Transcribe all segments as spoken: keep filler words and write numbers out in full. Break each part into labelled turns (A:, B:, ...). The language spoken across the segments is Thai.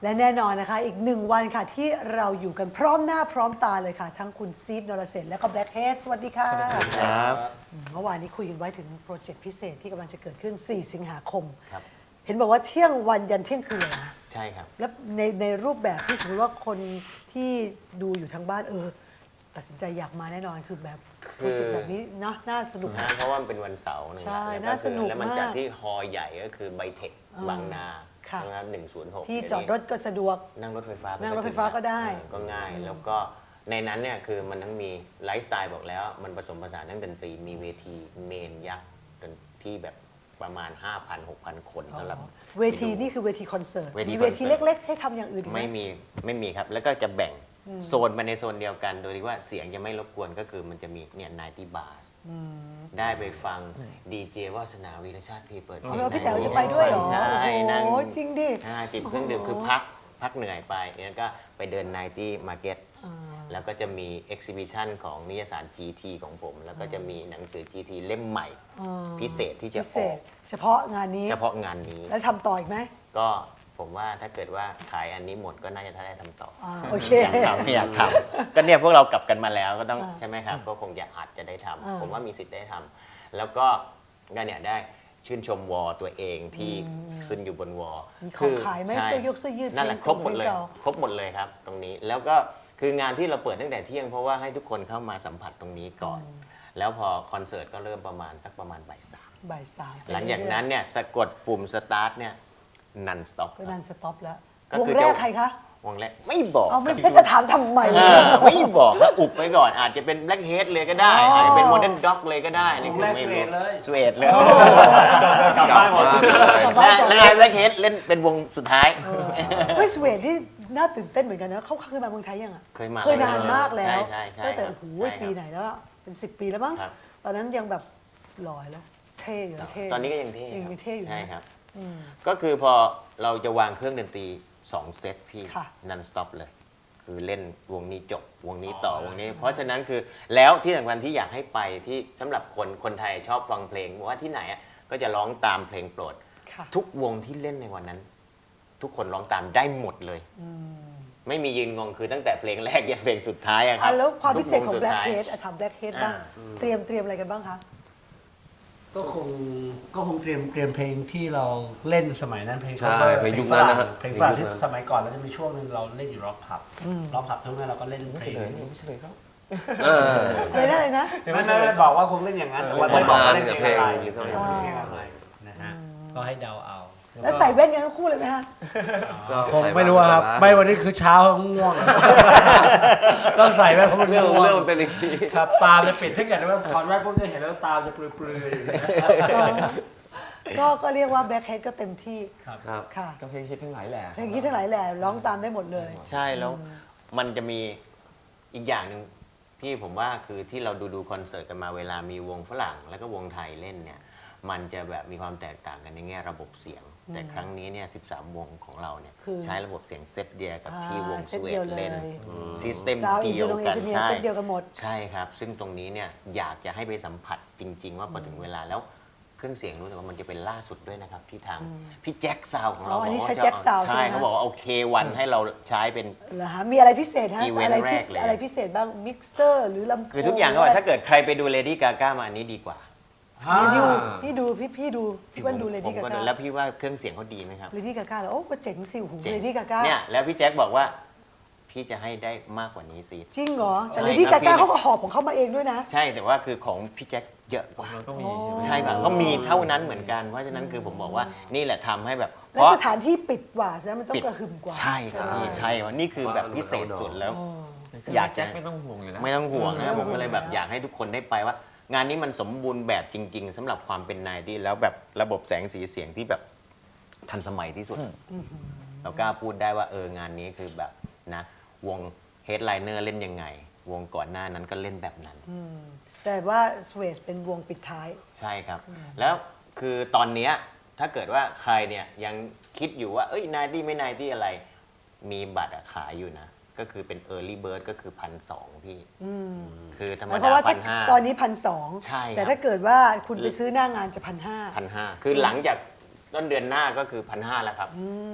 A: และแน่นอนนะคะอีกหนึ่งวันค่ะที่เราอยู่กันพร้อมหน้าพร้อมตาเลยค่ะทั้งคุณซีดนรเสนและก็แบล็คเฮดสวัสดีค่ะ
B: ครับ
A: เมื่อวานนี้คุยกันไว้ถึงโปรเจกต์พิเศษที่กำลังจะเกิดขึ้นสี่สิงหาคม
B: ครับ
A: เห็นบอกว่าเที่ยงวันยันเที่ยงคืนเลยนะ
B: ใช่ครับ
A: แล้วในในรูปแบบที่สมมติว่าคนที่ดูอยู่ทางบ้านเออตัดสินใจอยากมาแน่นอนคือแบบโปรเจกต์แบบนี้เนาะน่าสนุก
B: นะเพราะว่ามันเป็นวันเสาร์นะ
A: ใช่
B: แล้ว
A: น่าสนุก
B: แล้วมัน
A: มาก
B: จัดที่ฮอลล์ใหญ่ก็คือไบเทค
A: อ่า
B: บางนา
A: ค่ะ
B: นะครับหนึ่งศูนย์หก
A: ที่จอดรถก็สะดวก
B: นั่งรถไฟฟ้าไป
A: นั่งรถไฟฟ้าก็ได้
B: เออก็ง่าย แล้วก็ในนั้นเนี่ยคือมันทั้งมีไลฟ์สไตล์บอกแล้ว มันผสมผสานทั้งดนตรีมีเวทีเมนยักษ์ที่แบบประมาณ ห้าพัน หกพัน คนสำหรับ
A: เวทีนี่คือเวทีคอนเสิร์ต
B: เวที
A: มีเวที
B: คอนเสิร์ต
A: เล็ก ๆ ให้ทำอย่างอื่นอีกห
B: ไม่มีไม่มีครับ แล้วก็จะแบ่งโซนมาในโซนเดียวกัน โดยที่ว่าเสียงจะไม่รบกวนก็คือมันจะมีเนี่ยไนตี้บาร์ได้ไปฟังดีเจวาสนาวีรชาติพีเปิดเพล
A: อ๋
B: ง
A: อพี่แต๋วจะไปด้วยเหรอ
B: ใช่นั่ง
A: โอ้โหจริงดิ
B: อ่าจิบเครื่องดื่มคือพักพักเหนื่อยไปแล้วก็ไปเดินไนตี้มาร์เก็ตแล้วก็จะมีเอ็กซิบิชันของนิยสาร จี ที ของผม แล้วก็จะมีหนังสือ จี ที เล่มใหม่ พิเศษที่จะ
A: พิ
B: อ
A: เศ
B: อ
A: ษ
B: ก
A: เฉพาะงานนี้
B: เฉพาะงานนี้
A: แล้วทำต่ออีกไหม
B: ก็ผมว่าถ้าเกิดว่าขายอันนี้หมดก็น่าจะได้ทำต่อ
A: อ่าโอเค
B: อยากทำอยากทำก็เนี่ยพวกเรากลับกันมาแล้วก็ต้อง
A: อ่า
B: ใช่ไหมครับ ก็คงจะอาจจะได้ทำ
A: อ่า
B: ผมว่ามีสิทธิ์ได้ทำแล้วก็ก็เนี่ยได้ชื่นชมวอลตัวเองที่ขึ้นอยู่บนวอล
A: มีของขายไหม
B: ใช่
A: เสื้อยกเสื้อยืด
B: นั่นแหละ
A: เพ
B: ค
A: ล
B: รง บหมดเลย
A: เพลงเก่า
B: ครบหมดเลยครับ ตรงนี้แล้วก็คืองานที่เราเปิดตั้งแต่เที่ยงเพราะว่าให้ทุกคนเข้ามาสัมผัสตรงนี้ก่อน แล้วพอคอนเสิร์ตก็เริ่มประมาณสักประมาณบ่ายสาม
A: บ่ายสาม
B: หลังจากนั้นเนี่ยสะกดปุ่มสตาร์ทเนี่ยนันสต็อป
A: ก็นันสต็อปแล้ว
B: ก็
A: วง
B: คือ
A: แร
B: จะ
A: กใครคะ
B: วงแรกไม่บอก
A: เอาไม่
B: ครับ
A: ไม่จะถามทำไม
B: เออไม่บอกก็อุบไปก่อนอาจจะเป็นแบล็กเฮดเลยก็ได้
A: อ๋ออ
B: อาจจะเป็นโมเดิร์นด็อกเลยก็ได้นี่คือไม่รู้สเวดเลย
C: กลับบ้านหมดเลย
B: แล้วแล้วแบล็กเฮดเล่นเป็นวงสุดท้าย
A: เฮ้ยสวีเดนที่น่าตื่นเต้นเหมือนกันนะเขาเคยมาเมืองไทยยังอ่ะ
B: เคยมา
A: เคยนานมากแล้ว
B: ใช่ใช่ใช่
A: ตั้งแต่
B: ครับ
A: โอ้โห
B: ใช่ครับ
A: ปีไหนแล้วอะเป็นสิบปีแล้วมั้ง
B: ครับ
A: ตอนนั้นยังแบบหล่อแล้วเท่อยู่นะเท่
B: ตอนนี้ก็ยังเท่
A: ยังเท่อยู่นะ
B: ใช่ครับ
A: อืม
B: ก็คือพอเราจะวางเครื่องดนตรีสองเซตพี่
A: ค่ะ
B: นันสต็อปเลย คือเล่นวงนี้จบวงนี้ต่อวงนี้ เพราะฉะนั้นคือแล้วที่สำคัญที่อยากให้ไปที่สำหรับคนคนไทยชอบฟังเพลงบอกว่าที่ไหนอะก็จะร้องตามเพลงโปรด
A: ค่ะ
B: ทุกวงที่เล่นในวันนั้น ทุกคนร้องตามได้หมดเลย ไม่มียืนงงคือตั้งแต่เพลงแรกยันเพลงสุดท้ายอะครั
A: อ่ะ
B: บ
A: แล้วความพิเศษของ
B: ทุกว
A: แบล็ค
B: สุดท้าย
A: เฮดถามแบล็คเฮดบ้าง เตรียมเตรียมอะไรกันบ้างคะ
D: ก็คงก็คงเตรียมเตรียมเพลงที่เราเล่นสมัยนั้นเพลง
C: ใช่
D: cover
C: เพลงยุคนั้นนะฮะ
D: เพลงฝรั่ง
C: เพลงยุ
D: ที่
C: คนั้น
D: สมัยก่อนเราจะมีช่วงหนึงเราเล่นอยู่ร็อกผับร็อกผับทุกนั้นเราก็เล่นเพลง
C: ไม่ใช่เลยครับเออ
A: เลยนะเลยนะ
D: ไม่ไม่ไม่บอกว่าคงเล่นอย่างนั้นแต่ว่าไม่บอกว่าเล่นเพลงอะไร
C: ประมาณ
D: เพลงอะไรนะฮะก็ให้เดาเอา
A: แล้วใส่แว่นกันทั้งคู่เลยไหมคะ
C: ก็
D: คง
C: ใส่
D: ไม่รู้ครับ
C: บ้าง
D: ไม่วันนี้คือเช้าง่วง ต้องใส่แว่นเพราะมัน
C: เรื่อง
D: ง่วง
C: เรื่องมันเป็นอย่างนี้
D: ครับตาจะปิดถ้าเกิดว่าถอดแว่นปุ๊บจะเห็นแล้วตาจะปลือยๆอย่างเงี้ย
A: ก็ก็เรียกว่าแบล็คเฮดก็เต็มที่
D: ครับ
C: ครับ
A: ค่ะ
E: ก็เพลงฮิตทั้งหลายแหละ
A: เพลงคิดทั้งหลายแหล่ร้องตามได้หมดเลย
B: ใช่แล้วมันจะมีอีกอย่างหนึ่งพี่ผมว่าคือที่เราดูดูคอนเสิร์ตกันมาเวลามีวงฝรั่งแล้วก็วงไทยเล่นเนี่ยมันจะแบบมีความแตกต่างกันในแง่ระบบเสียง แต่ครั้งนี้เนี่ยสิบสามวงของเราเนี่ย
A: คือ
B: ใช้ระบบเสียงเซตเดียวกับ
A: อ่า
B: ที่วง
A: เซ
B: ส
A: ต
B: วี
A: เดี
B: เด
A: ยวน
B: เล่น
A: เลย
B: ซิสเต็ม
A: Sound
B: เดียวกัน
A: Engineer
B: ใช่
A: เซตเดียวกันหมด
B: ใช่ครับ ซึ่งตรงนี้เนี่ยอยากจะให้ไปสัมผัสจริง ๆ ว่าพอถึงเวลาแล้วเครื่องเสียงรู้สึกว่ามันจะเป็นล่าสุดด้วยนะครับที่ทางพี่แจ็คซาวของเรา
A: อ๋ออันนี้
B: บก
A: ใช้
B: ว่า
A: แจ็ค
B: จะ
A: ซาวด์ใช่
B: ใช่
A: ไหม
B: เขาบอกว่าโอเควันให้เราใช้เป็น
A: เหรอฮะมีอะไรพิเศษฮะ
B: อีเวนต์
A: อะไรพิ
B: แรกเลย
A: อะไรพิเศษบ้างมิกเซอร์หรือลำโพง
B: คือทุกอย่างก็ว่าถ้าเกิดใครไปดูเลดี้กาก้ามาอันนี้ดีกว่า
A: นี่ดูพี่ดูพี่พี่ดูพี่เปิ้ลดูเล
B: ผ
A: ดี้
B: ม
A: กา
B: ก็
A: ก้า
B: ดูแล้วพี่ว่าเครื่องเสียงเขาดีไหมครับ
A: เลดี้กาก้าแล้วโอ้ก็เจ๋งสิหู
B: จ๋ง
A: เลดี้กาก้า
B: เนี่ยแล้วพี่แจ็คบอกว่าพี่จะให้ได้มากกว่านี้สิ
A: จริงเหรอแต่
B: ใช่
A: เลดี้
B: ครั
A: กา
B: บ
A: ก้า
B: พี่
A: เขาก็หอบของเขามาเองด้วยนะ
B: ใช่แต่ว่าคือของพี่แจ็คเยอะกว่า
E: ก็มี
B: ใช่ป่ะก็มีเท่านั้นเหมือนกัน เพราะฉะนั้นคือผมบอกว่านี่แหละทำให้แบบ
A: และสถานที่ปิดกว่านะมันต้องกระหึ่มกว่า
B: ใช่ครับพี่ใช่ว่านี่คือแบบพิเศษสุดแล้ว
E: อ
B: อยาก
E: ายแจ็
B: จะ
E: คไม่ต้องห่วงอยู่แล้ว
B: ไม่ต้องห่วง
A: ไม่
B: นะ
A: ต้อง
B: ผมก็เลยแบบ
A: ห่วง
B: อยากให้ทุกคนได้ไปว่า งานนี้มันสมบูรณ์แบบจริง ๆสำหรับความเป็นนายที่แล้วแบบระบบแสงสีเสียงที่แบบทันสมัยที่สุด เรากล้าพูดได้ว่าเอองานนี้คือแบบนะวงเฮดไลเนอร์เล่นยังไง วงก่อนหน้านั้นก็เล่นแบบนั้น
A: แต่ว่าสเวสเป็นวงปิดท้าย
B: ใช่ครับ แล้วคือตอนเนี้ยถ้าเกิดว่าใครเนี่ยยังคิดอยู่ว่าเอ้ยนายที่ไม่นายที่อะไร มีบัตรอะขายอยู่นะ ก็คือเป็น Early Bird ก็คือพันสองพี่คือธรรม
A: เพ
B: ดา
A: ราะว่า
B: พั
A: ถ้าน
B: ห้า
A: ตอนนี้พันสอง
B: ใช่ครับ
A: แต่ถ้าเกิดว่าคุณไปซื้อหน้างานจะพันห้า
B: พันห้าคือหลังจากต้นเดือนหน้าก็คือพันห้าแล้วครับ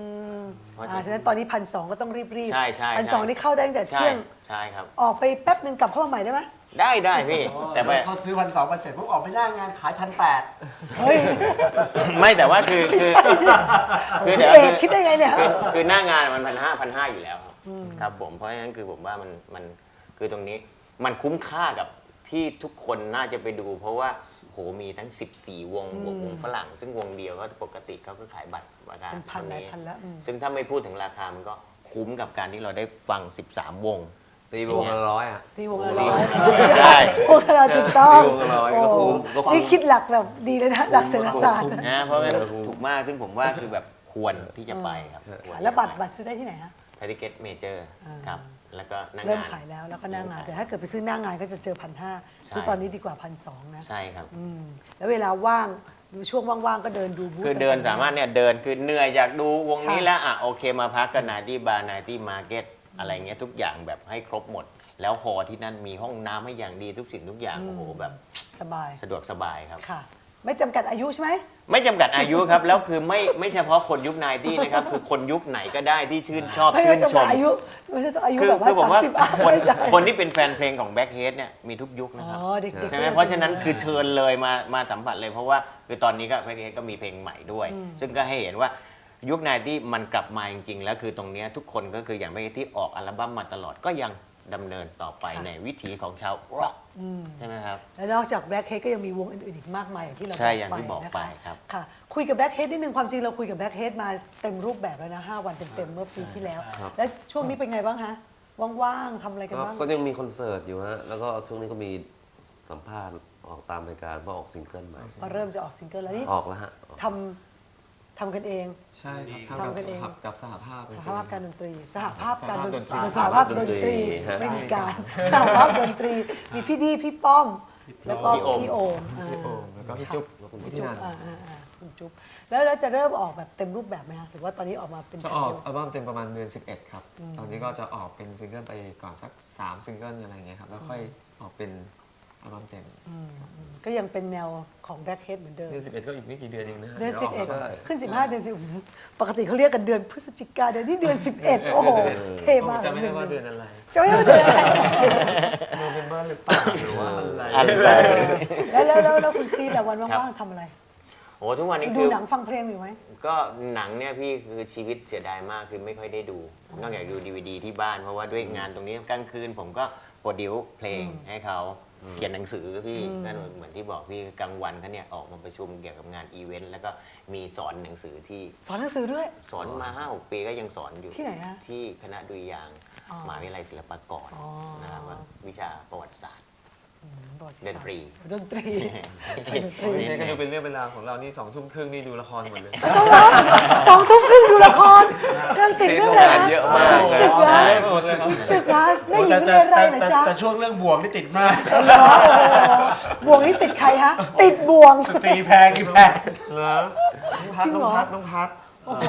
B: เพราะ
A: อ่า
B: ฉะ
A: ฉะ
B: นั้
A: นั้น นตอนนี้พันสองก็ต้องรีบรีบ
B: ใช่ใช่
A: พันสอง
B: ใช่
A: นี่เข้าได้ตั้งแต่
B: ใช่
A: เที่ยง
B: ใช่ครับ
A: ออกไปแป๊บหนึ่งกลับเข้ามาใหม่ได้ไหม
B: ได้ได้พี่แต่
D: แต่
B: ไป
D: เขาซื้อพันสองพันเสร็จปุ๊บออกไปหน้างานขายพันแปด
A: เฮ้ย
B: ไม่แต่ว่าคือคือคือ
A: พี่
B: แต่
A: เอ
B: ว่าก คือ
A: คิดได้ไงเนี่ย
B: คือคือหน้างานมันพันห้าพันห้าอยู่แล้วครับครับผมเพราะฉะนั้นคือผมว่ามันมันคือตรงนี้มันคุ้มค่ากับที่ทุกคนน่าจะไปดู เพราะว่าโหมีทั้งสิบสี่วงบวกวงฝรั่ง ซึ่งวงเดียวก็ปกติเขาก็ขายบัตรราคา
A: เป็นพันหลาย
B: เท่า
A: พันแล้วอืม
B: ซึ่งถ้าไม่พูดถึงราคามันก็คุ้มกับการที่เราได้ฟังสิบสามวง
C: ตีวงละร้อยอ่ะ
A: ตีวงละร้อย
B: ใช่
A: วงละร้อยถูกต้อง
C: ตีวงละร้อยก็คุ้มก็คุ้ม
A: นี่คิดหลักแบบดีเลยนะหลักเศรษฐศาสตร์
B: นะเพราะงั้นถูกมากซึ่งผมว่าคือแบบควรที่จะไปครับควร
A: แล้วบัตรบัตรซื้อได้ที่ไหนฮะ
B: ไทยทิเก็ตเมเจอร์ครับแล้วก็หน้า
A: เริ่ม
B: งาน
A: ขายแล้วแล้วก็หน้างาน แต่ถ้าเกิดไปซื้อหน้างานก็จะเจอพันห้าซื้อตอนนี้ดีกว่าพันสองนะ
B: ใช่ครับ
A: อืมแล้วเวลาว่างดูช่วงว่างๆก็เดินดูบูธ
B: คือเดิน
A: ต่งๆ
B: สามารถเนี่ยเดินคือเหนื่อยอยากดูวงนี้แล้วอ่ะโอเคมาพักกันนาที่บาร์นาที่มาร์เก็ตอะไรเงี้ยทุกอย่างแบบให้ครบหมด แล้วหอที่นั่นมีห้องน้ำให้อย่างดีทุกสิ่งทุกอย่างโอ้โหแบบ
A: สบาย
B: สะดวกสบายครับ
A: ค่ะ ไม่จำกัดอายุใช่ไหม
B: ไม่จำกัดอายุครับ แล้วคือไม่ไม่เฉพาะคนยุคไนตี้นะครับ คือคนยุคไหนก็ได้ที่ชื่นชอบ
A: ไม่
B: ชื่
A: ได้
B: น
A: จำ
B: ช
A: กัด
B: ม
A: อายุไม่ใช่ต้องอายุ
B: คือ
A: แบบว่า
B: คือผม
A: สาม
B: ว่า
A: สิบอ่ะ
B: คน
A: ไม่ใช่
B: คนที่เป็นแฟนเพลงของแบ็คเฮดเนี่ยมีทุกยุคนะ
A: อ๋
B: ค
A: อ
B: รับ
A: เด็กๆ
B: ใช่ไหมเพราะฉะนั้นคือเชิญเลยมามาสัมผัสเลยเพราะว่าคือตอนนี้ก็แบ็คเฮดก็มีเพลงใหม่ด้วย ซึ่งก็ให้เห็นว่ายุคไนตี้มันกลับมาจริงๆแล้วคือตรงเนี้ยทุกคนก็คืออย่างแบ็คเฮดที่ออกอัลบั้มมาตลอดก็ยังดำเนินต่อไปในวิถีของชาวร็อกใช่ไหมครับ
A: แล้วนอกจากแบล็คเฮดก็ยังมีวงอื่นๆอีกมากมายอย่างที่เรา
B: ใช่อย่างที่บอกไป
A: นะคะ
B: ครับ
A: ค่ะ คุยกับแบล็คเฮดนิดนึงความจริงเราคุยกับแบล็คเฮดมาเต็มรูปแบบแล้วนะห้าวันเต็มๆเมื่อปีที่แล้ว แล้วช่วงนี้เป็นไงบ้างฮะว่างๆทำอะไรกัน
C: ก็
A: บ้าง
C: ก็ยังมีคอนเสิร์ตอยู่ฮะ แล้วก็ช่วงนี้ก็มีสัมภาษณ์ออกตามรายการเพราะออกซิงเกิลใหม่
A: พอเริ่มจะออกซิงเกิลแล้วนี่
C: ออกแล้วฮะออก
A: ทำทำกันเอง
E: ใช่ครับ
A: ทำกันเอง
E: ทำกับสหภาพ
A: สหภาพการดนตรี สหภาพการดนตรี
E: ส
A: ส
E: ห
A: ห
E: ภา
A: ภา
E: พ
A: พ
E: ด
A: ด
E: น
A: น
E: ต
A: ต
E: รี
A: รี
C: ฮะ
A: ไม่มีการสหภาพดนตรี มีพี่ดีพี่ป้อม แล้วก็
B: พี่โอม
A: พี่โอมอ่า
E: พี่โอมแล้วก็พี่จุ๊บ
A: พี่จุ๊บอ่าอ่าอ่าคุณจุ๊บแล้วแล้วจะเริ่มออกแบบเต็มรูปแบบไหมคะหรือว่าตอนนี้ออกมาเป็นแบ
E: จะ
A: บ
E: ออก
A: เดียว
E: อัลบั้มเต็มประมาณเดือนสิบเอ็ดครับ ตอนนี้ก็จะออกเป็นซิงเกิลไปก่อนสักสามซิงเกิลอะไรเงี้ยครับ แล้วค่อยออกเป็นอัลบั้มเต็ม
A: อืมอืมก็ยังเป็นแนวของแบล็คเฮดเหมือนเดิม
E: เดือนสิบเอ็ดก็อีกไม่กี่เดือนเองนะฮะ
A: เดือนสิบเอ็ด
E: ใช่
A: ขึ้นสิบห้าเดือนสิบปกติเขาเรียกกันเดือนพฤศจิกาเดือนนี้เดือนสิบเอ็ดโอ้โหเท่มาก
E: จะไม่ได้ว่าเดือนอะไร
A: จะไม่ได้ว่าเดือนอะไร
E: โนเวมเบอร์หรือเปล่าหรือว่าอะไร
B: อะไร
A: แล้วแล้วแล้วแล้วคุณซีแต่วัน
B: ครับ
A: ว่างๆทำอะไร
B: โอ้ทุกวันนี้
A: ดู
B: คือ
A: หนังฟังเพลงอยู่ไหม
B: ก็หนังเนี่ยพี่คือชีวิตเสียดายมากคือไม่ค่อยได้ดู นอกจากดูดีวดีที่บ้านเพราะว่าด้วยงานตรงนี้กลางคืนผมก็โปรดิวเพลงให้เขาเขียนหนังสือพี่ก็เหมือนที่บอกพี่กลางวันเขาเนี่ยออกมาประชุมเกี่ยวกับงานอีเวนต์แล้วก็มีสอนหนังสือที่
A: สอนหนังสือด้วย
B: สอนมาห้าหกปีก็ยังสอนอยู่
A: ที่ไหนฮะ
B: ที่คณะดุริยางค์
A: อ๋อ
B: มหาวิทยาลัยศิลปากร
A: อ๋อ
B: นะครับว่าวิชาประวัติศาสตร์
A: ประวัติ
B: ด
A: ศาส
B: น
A: ตร์
B: ตรี
A: ดนตรีดนตรี
E: ไม่ใช่ก็ดูเป็นเรื่องเป็นราวของเรานี่สองทุ่มครึ่งนี่ดูละครหมดเลย
A: สองทุ่มสองทุ่มครึ่งดูละครเรื่องติดเรื่องอะไรนะ
C: เยอะมาก
A: ศึกนะ
E: หมดเลยครับ
A: ศึกนะแม่หญิงเรียนอะไรนะจ๊ะ
D: แต่ช่วงเรื่องบวงนี่ติดมาก
A: เหรอโอ้โหบ่วงนี่ติดใครฮะ ติดบ่วง
D: ตีแพงตีแพง
E: เหรอพัด
A: จริง
E: ต้
A: เหร
E: อง
A: อ
E: พัดต้องพัด
A: โอ้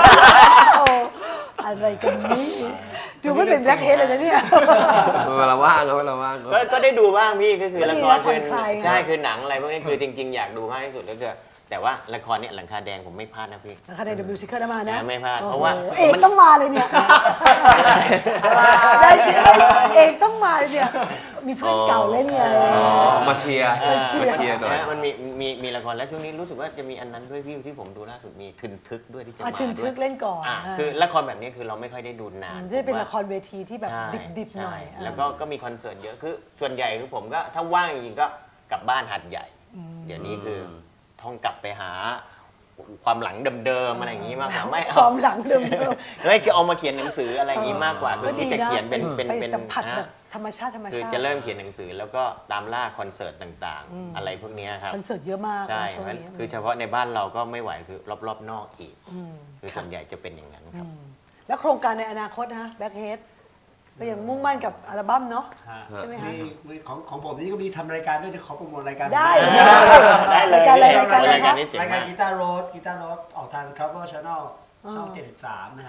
A: อะไรกันนี่ดูไม่เป็นแบล็คเฮดเลยนะเนี่ย
C: เวลาว่างครับเวลาว่างก็
B: ก็ก็ได้ดูบ้างพี่ก็คือ
A: ก็
B: ละ
A: ดี
B: ค
A: นะ
B: ร
A: ผ่
B: คือ
A: อนคลายไง
B: ใช่คือหนังอะไรพวกนี้คือจริง ๆ อยากดูมากที่สุดก็คือแต่ว่าละครเนี่ยหลังคาแดงผมไม่พลาดนะพี่
A: นะคะใน The Musical นะมานะ
B: ไม่พลาด
A: โอ้โห
B: เพราะว่า
A: เอกต้องมาเลยเนี่ยได้สิเอกต้องมาเลยเนี่ยมีเพื่อนเก่าเล่นไง
C: อ๋อมาเชียร์
A: มาเชียร์
C: มาเชียร์หน่อย
B: นะมันมีมีมีละครแล้วช่วงนี้รู้สึกว่าจะมีอันนั้นด้วยพี่ที่ผมดูล่าสุดมีทึนทึกด้วยที่จะ
A: อา
B: มา
A: ชิน
B: ด้
A: ทึ
B: วย
A: กเล่นก่อน
B: อ่ะ
A: อ่า
B: คือละครแบบนี้คือเราไม่ค่อยได้ดูนาน
A: จะเป็น
B: ผมว่า
A: ละครเวทีที่แบบ
B: ใช่
A: ดิบๆหน่อย
B: ใช่
A: อ่า
B: แล้วก็ก็มีคอนเสิร์ตเยอะคือส่วนใหญ่คือผมก็ถ้าว่างจริงๆก็กลับบ้านหัดใหญ่ เดี๋ยวนี้คือท่องกลับไปหาความหลังเดิมๆอะไรอย่างนี้มากกว่าไม่
A: ค
B: เอา
A: วามหลังเดิม
B: ไม่คือเอามาเขียนหนังสืออะไรอย่างนี้มากกว่า
A: ๆ
B: คือที่จะเขียนเป็นเป็น
A: ไป
B: เป็น
A: สัมผัส
B: นะ
A: แบบธรรมชาติธรรม
B: คือ
A: ชาติ
B: จะเริ่มเขียนหนังสือแล้วก็ตามล่าคอนเสิร์ตต่างๆ อะไรพวกเนี้ยครับ
A: คอนเสิร์ตเยอะมาก
B: ใช่
A: ช่วง
B: เพราะ
A: นี้
B: คือเฉพาะในบ้านเราก็ไม่ไหวคือรอบๆนอกอีก
A: ม
B: คือส่วนใหญ่จะเป็นอย่างนั้นครับ
A: แล้วโครงการในอนาคตนะแบ็คเฮดก็ยังมุ่งมั่นกับอัลบั้มเนาะ ใช่ไหมฮะ
D: มีมีของของผมนี่ก็มีทำรายการด้วยจะขอโปรโมทรายการ
A: ได้
B: ได้เลย
A: รายการอะไรรายการอะไร
B: ราย
A: ค
B: การ
A: รับ
B: นี้เจ๋ง
D: รายการ
B: มาก
D: กีตาร์โรดกีตาร์โรดออกทาง Cover Channel ช่อง
A: อ๋อ
D: เจ็ดสิบสามนะฮะ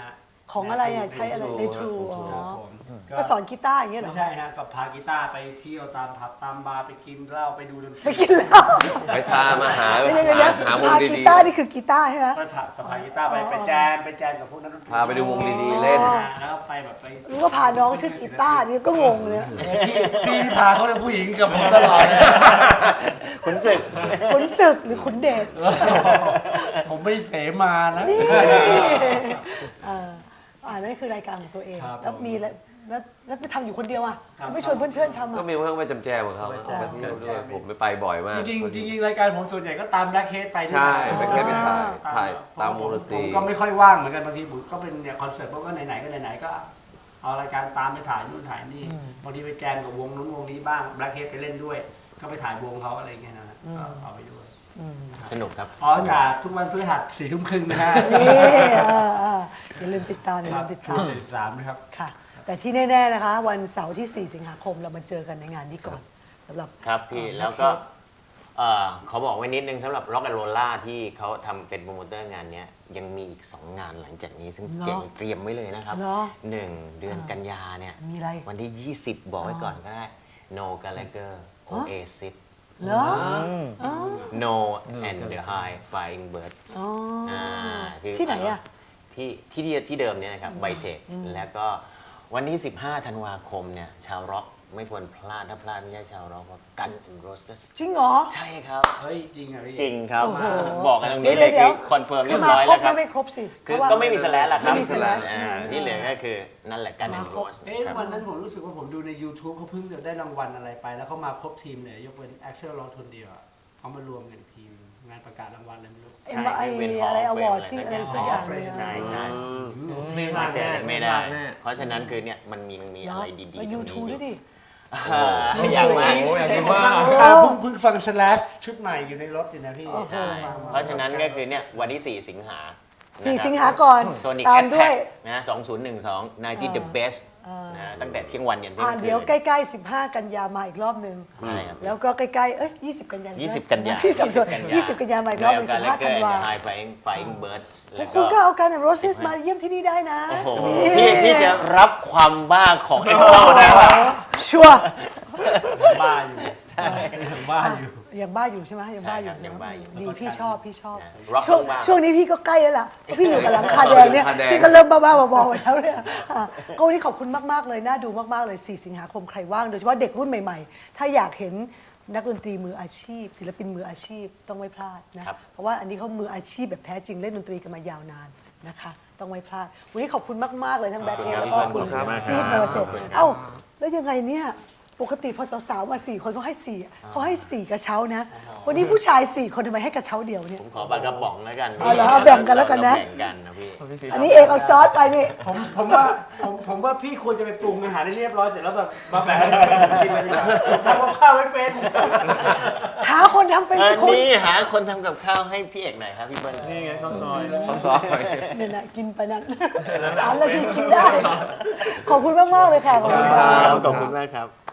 A: ของอะไรอ่ะใช้อะไรในทรูอ๋อ
D: ครับผม
A: ก็สอนกีตาร์อย่างเงี้ยเหร
D: ไม่
A: อ
D: ใช่ฮะกับพากีตาร์ไปเที่ยวตามผับตามบาร์ไปกินเหล้าไปดูดนต
A: ไป
D: รี
A: กินเหล้า
C: ไปพามาหา
A: เดี๋ยวเดี๋ยวเดี๋ยว
C: หาวง
A: พา
C: ดี
A: กีตาร์นี่คือกีตาร์ใช่ไหม
D: ก็สะพายกีตาร์ไปไปแจมไปแจมกับพวกนักดนตรี
C: พาไปดูวงดีๆเล่น
D: แล้วไปแบบไป
A: รู้ว่าพาน้องชื่อกีตาร์นี่ก็งงเลย
D: พี่พี่พาเขาเป็นผู้หญิงกับผมตลอดเลย
B: ขุนศึก
A: ขุนศึกหรือขุนเดช
D: ผมไม่เสมานะ
A: นี่เอ่ออ่านั่นคือรายการของตัวเอง
D: ครับ
A: แล้วมีแล้วแล้วแล้วไปทำอยู่คนเดียวอ่ะ
D: ครับ
A: ไม่ชวนเพื่อนๆทำ
C: ก็
A: อ่ะ
C: มีเพื่อนไปจำแจมของเขา
A: ใช่
C: ไปเที่ยวด้วยผมไม่ไปบ่อยมาก
D: จริงๆจริงๆรายการผมส่วนใหญ่ก็ตามแบล็คเฮดไปด้วย
C: ใช่
D: นะ
C: ไปแค่ไปถ่ายถ่ายตามวงดนตรี
D: ผมก็ไม่ค่อยว่างเหมือนกันบางทีผมก็เป็นเนี่ยคอนเสิร์ตพวกก็ไหนๆก็ไหนๆก็เอารายการตามไปถ่ายนู่นถ่ายนี่บางทีไปแจมกับวงนู้นวงนี้บ้างแบล็คเฮดไปเล่นด้วย ก็ไปถ่ายวงเขาอะไรเงี้ยนะก็เอาไปด้วย
B: สนุกครับ
D: อ๋อจากทุกวันพฤหัสสี่ทุ่มครึ่งนะฮะ
A: นี่เออเอออย่าลืมติดตามอย่า
D: ค
A: ลื
D: รับ
A: มติด
D: ช่
A: ตาว ม
D: งสี่สิบสามนะครับ
A: ค่ะ แต่ที่แน่ๆนะคะ วันเสาร์ที่ สี่ สิงหาคมเรามาเจอกันในงานนี้ก่อนสำหรับ
B: ครับพี่แล้วก็เอ่อขอบอกไว้นิดนึงสำหรับ Rock and Rolla ที่เขาทำเป็นโปรโมเตอร์งานเนี้ยยังมีอีก สอง งานหลังจากนี้ ซึ่ง
A: เหรอ
B: เจ๋งเตรียมไว้เลยนะครับ
A: เหรอ
B: หนึ่งเดือนกันยาเนี่ย
A: มีอะไร
B: วันที่ ยี่สิบ บอกไว้ก่อนก็ได้ No Gallagher Oasis
A: เหรออ๋อ
B: No and the High Flying Birds
A: อ๋ออ่
B: าคือ
A: ที่ไหนอะ
B: ที่ที่เดียที่เดิมเนี่ยนะครับไบเทคแล้วก็วันที่ สิบห้า ธันวาคมเนี่ยชาวร็อกไม่ควรพลาดถ้าพลาดไม่ใช่ชาวร็อกก็กัน and Roses
A: จริงเหรอ
B: ใช่ครับ
D: เฮ้ยจริงเหรอพี่
B: จริงครับ
A: โอ้โห
B: บอกกันตรงนี้เลย
A: เดี๋
B: คื
A: ยว
B: อคอนเฟิร์ม
A: คื
B: เรี
A: อย
B: บ
A: มา
B: ร้อย
A: คร
B: แล้
A: บ
B: วครั
A: ไม่
B: บ
A: ไม่ครบสิ
B: คือ
A: เพราะว่า
B: ก็ไม่มีสแลชละครับ
A: ไม่มี slash
B: อ่า
A: อืม
B: ที่เหลือก็คือนั่นแหละกัน and
A: มาครบ
B: Rose
D: เอ๊ะวันนั้นผมรู้สึกว่าผมดูใน YouTube เขาเพิ่งจะได้รางวัลอะไรไป แล้วเขามาครบทีมเลยยกเว้น Axel Rose คนเดียวอะเขามารวมกันอีกทีมงานประกาศรางวัลอะไรไม่รู้
A: ไอ้มาไอ้อะไรอวอร์ดที่อะไรสักอย่างเลย
B: ใช่ใช่
E: ไม่พลาด
B: เจ
E: แน่
B: อกันไม่ได้
E: พลาแน่
B: เพราะฉะนั้นคือเนี่ยมันมีมีอะไรดีๆ
A: มา
B: ตร
A: ยู
B: ง
A: ทู
B: นี้
A: ด้วยดิ
B: อ่าอยากมา
E: โอ้อยากดูมาก
D: เพิ่งเพิ่งฟัง Slash ชุดใหม่อยู่ในรถอยู่นะพี่
A: โอ้โห
B: ใช่เพราะฉะนั้นก็คือเนี่ยวันที่ สี่ สิงหา
A: สี่สิงหาก่อน
B: โซนิก
A: ตา
B: แอ
A: ม
B: ท
A: ด้
B: แท็
A: วย
B: กนะสองศูนย์หนึ่งสอง ninety the best นะตั้งแต่เที่ยงวันยันเที่ย
A: ผ่าง น
B: คืน
A: เดี๋ยวใกล้ๆ สิบห้า กันยามาอีกรอบหนึ่ง
B: ใช่ครับ
A: แล้วก็ใกล้ๆ เอ้ย ยี่สิบ กันยา
B: ยี่สิบ กันยา
A: พี่สับสน
B: ยี่
A: ยี่
B: สิ
A: สิ
B: บบ
A: กันยามาอีกรอบหนึ่ง
B: กา
A: สิบ
B: เล
A: ห้า
B: เก
A: ธั
B: อน ร์
A: วา
B: ไฮไฟไฟเบิร์ดแล้ว
A: คุณก็
B: ก็
A: เอาการโรสเซสมาเยี่ยมที่นี่ได้นะ
B: โอ้โห
A: นี่
B: พี่พี่จะรับความบ้าของเอ็กโซได้ป่ะ
A: ชัวร์
D: บ้าอยู่ใช่ยังบ้าอยู่
A: ยังบ้าอยู่ใช่ไหมยังบ้าอยู่
B: ใช่ครับยังบ้าอยู่
A: ดีพี่ชอบพี่ชอบ
B: นะ rock
A: ช่วง
B: บ้า
A: ช่วงนี้พี่ก็ใกล้แล้วล่ะเพราะพี่อยู่กับหลังคาแดงเนี่ย
C: หลังคาแดง
A: พี่ก็เริ่มบ้าๆบอๆไปแล้วเนี่ยอ่ะก็วันนี้ขอบคุณมากๆเลยน่าดูมากๆเลย สี่ สิงหาคมใครว่างโดยเฉพาะเด็กรุ่นใหม่ๆ ถ้าอยากเห็นนักดนตรีมืออาชีพ ศิลปินมืออาชีพต้องไม่พลาดนะครับ เพราะว่าอันนี้เขามืออาชีพแบบแท้จริงเล่นดนตรีกันมายาวนานนะคะต้องไม่พลาดวันนี้ขอบคุณมากๆเลยทั้งแบ็คเอแล้วก็คุณซีดเมอร์เซตเอ้าแล้วยังไงเนี่ยปกติพอสาวๆมาสี่คนเขาให้สี่เขาให้สี่กระเช้านะ วันนี้ผู้ชายสี่คนทำไมให้กระเช้าเดียวเนี่ย
B: ผมขอปลากระป๋องแล้วกัน
A: เอาเหรอเอาแบ่งกันแล้วกันนะ
B: เราแบ่งกันนะพี่
A: อันนี้เอกเอาซอสไปนี่
D: ผมผมว่าผมผมว่าพี่ควรจะไปปรุงอาหารให้เรียบร้อยเสร็จแล้วแบบมาแบ่งให้กินเลยดีกว่าผมทำกับข้าวไม่เป็น
A: หาคนทำเป็น
B: อั
A: สิ
B: น
A: คุณ
B: นี้หาคนทำกับข้าวให้พี่เอกหน่อยครับพี่เบิ้ล
E: นี่ไงข้าวซอย
C: เขาซอย
A: เนี่ยนะกินไปนั้นสามนาทีกินได้ ขอบคุณมากๆเลยค่ะขอบคุณ
B: ค
A: มาก
B: รับขอบคุณมากครับ